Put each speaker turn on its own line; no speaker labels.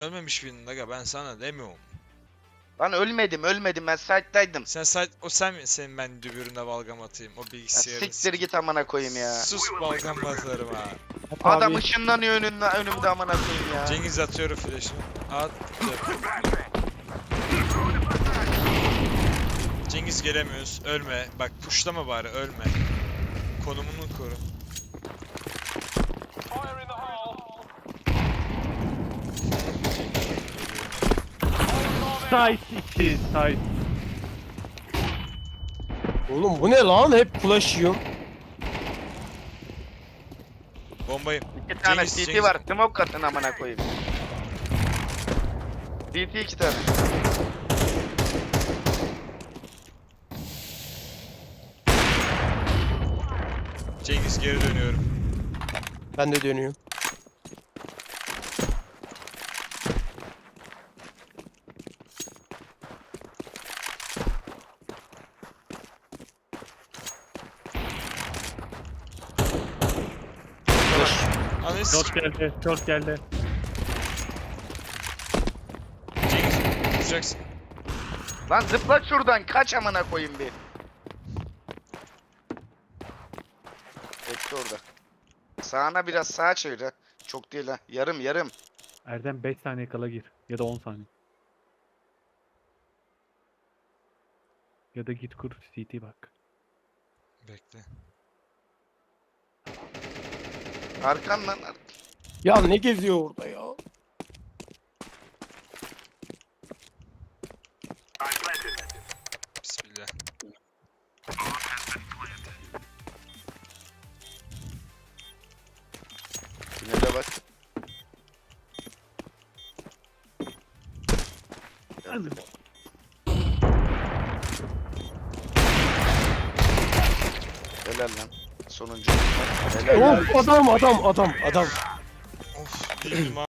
Ölmemiş birinin aga, ben sana demiyorum.
Lan ölmedim ben site'daydım.
Sen mi senin ben dübüründe balgam atayım o
Ya
bilgisayarı
siktir git amına koyayım ya.
Sus, balgam atarım ha.
Adam
Abi,
ışınlanıyor önümde amına koyayım ya.
Cengiz atıyorum flash'ını. At. Cengiz gelemiyoruz. Ölme. Bak pushlama bari, ölme. Konumunu koru.
site 2 site.
Oğlum bu ne lan? Hep flash yiyorum.
Bombayım.
İki tane
Cengiz,
CT
Cengiz.
var. Smoke atın amına koyayım. CT 2 tane.
Cengiz geri dönüyorum.
Ben de dönüyorum. Flash.
Analiz.
Short geldi. Short geldi.
Cengiz vuracaksın.
Lan zıpla şuradan kaç amına koyayım bir. Bekle orada. Sağına biraz sağa çevir ha. Çok değil ha. Yarım.
Erdem 5 saniye kala gir. Ya da 10 saniye. Ya da git kur CT bak.
Bekle.
Arkan lan.
Ya ne geziyor orada ya?
Bismillah.
Tünele bak. Helal lan. Sonuncu. Helal lan.
Of adam.
Of. Bir